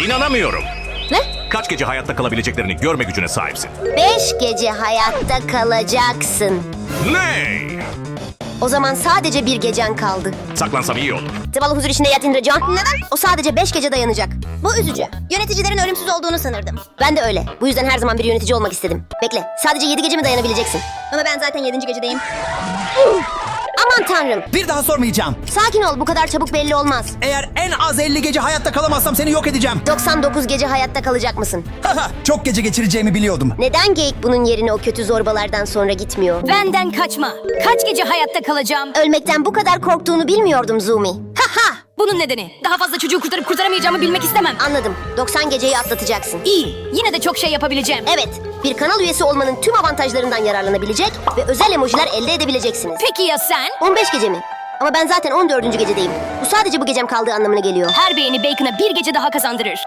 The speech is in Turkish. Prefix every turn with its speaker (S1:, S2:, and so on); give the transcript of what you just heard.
S1: İnanamıyorum.
S2: Ne?
S1: Kaç gece hayatta kalabileceklerini görme gücüne sahipsin.
S2: 5 gece hayatta kalacaksın.
S1: Ne?
S2: O zaman sadece bir gecen kaldı.
S1: Saklansam iyi olur.
S2: Zavallı huzur içinde yat Indracan. Neden? O sadece 5 gece dayanacak.
S3: Bu üzücü. Yöneticilerin ölümsüz olduğunu sanırdım.
S2: Ben de öyle. Bu yüzden her zaman bir yönetici olmak istedim. Bekle. Sadece 7 gece mi dayanabileceksin?
S3: Ama ben zaten 7. gecedeyim.
S2: Aman tanrım.
S4: Bir daha sormayacağım.
S2: Sakin ol. Bu kadar çabuk belli olmaz.
S4: Eğer en az 50 gece hayatta kalamazsam seni yok edeceğim.
S2: 99 gece hayatta kalacak mısın?
S4: Haha, çok gece geçireceğimi biliyordum.
S2: Neden geyik bunun yerine o kötü zorbalardan sonra gitmiyor?
S5: Benden kaçma. Kaç gece hayatta kalacağım?
S2: Ölmekten bu kadar korktuğunu bilmiyordum Zumi. Haha!
S5: Bunun nedeni. Daha fazla çocuğu kurtarıp kurtaramayacağımı bilmek istemem.
S2: Anladım. 90 geceyi atlatacaksın.
S5: İyi. Yine de çok şey yapabileceğim.
S2: Evet, bir kanal üyesi olmanın tüm avantajlarından yararlanabilecek ve özel emojiler elde edebileceksiniz.
S5: Peki ya sen?
S2: 15 gece mi? Ama ben zaten 14. gecedeyim. Bu sadece bu gecem kaldığı anlamına geliyor.
S5: Her beğeni Bacon'a bir gece daha kazandırır.